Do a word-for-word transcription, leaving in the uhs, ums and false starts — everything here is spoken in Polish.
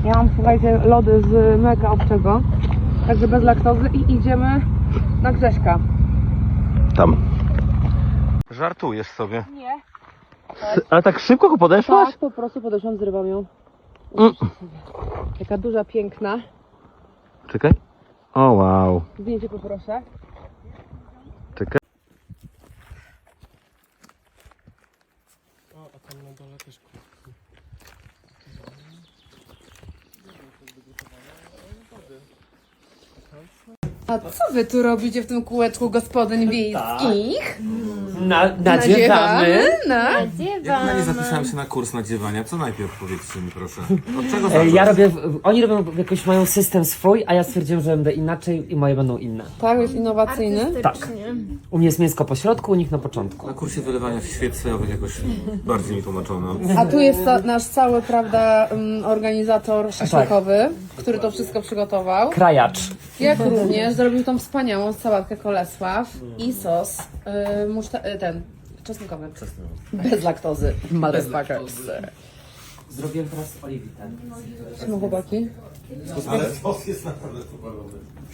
Ja mam, słuchajcie, lody z mleka owczego, także bez laktozy i idziemy na Grześka. Tam. Żartujesz sobie. Nie. Ale tak szybko podeszłaś? Tak, po prostu podeszłam, zrywam ją. Mm. Taka duża, piękna. Czekaj. O wow. Zdjęcie poproszę. Czekaj. A co wy tu robicie w tym kółeczku gospodyń wiejskich? Na, nadziewamy. No. Ja chyba nie zapisałem się na kurs nadziewania. Co najpierw powiedzcie mi proszę? Od czego E, zacząć? Ja robię, oni robią jakoś, mają system swój, a ja stwierdziłem, że będę inaczej i moje będą inne. Tak, jest innowacyjny. Tak. U mnie jest mięsko po środku, u nich na początku. Na kursie wylewania świec sojowych jakoś bardziej mi tłumaczono. A tu jest ta, nasz cały, prawda, um, organizator szaszłykowy, który to wszystko przygotował. Krajacz. Jak również zrobił tą wspaniałą sałatkę Kolesław i sos yy, muszta- yy, ten czosnkowy. Bez laktozy. Motherfuckers. Zrobiłem teraz oliwitę. Czemu chłopaki? Ale sos jest naprawdę super.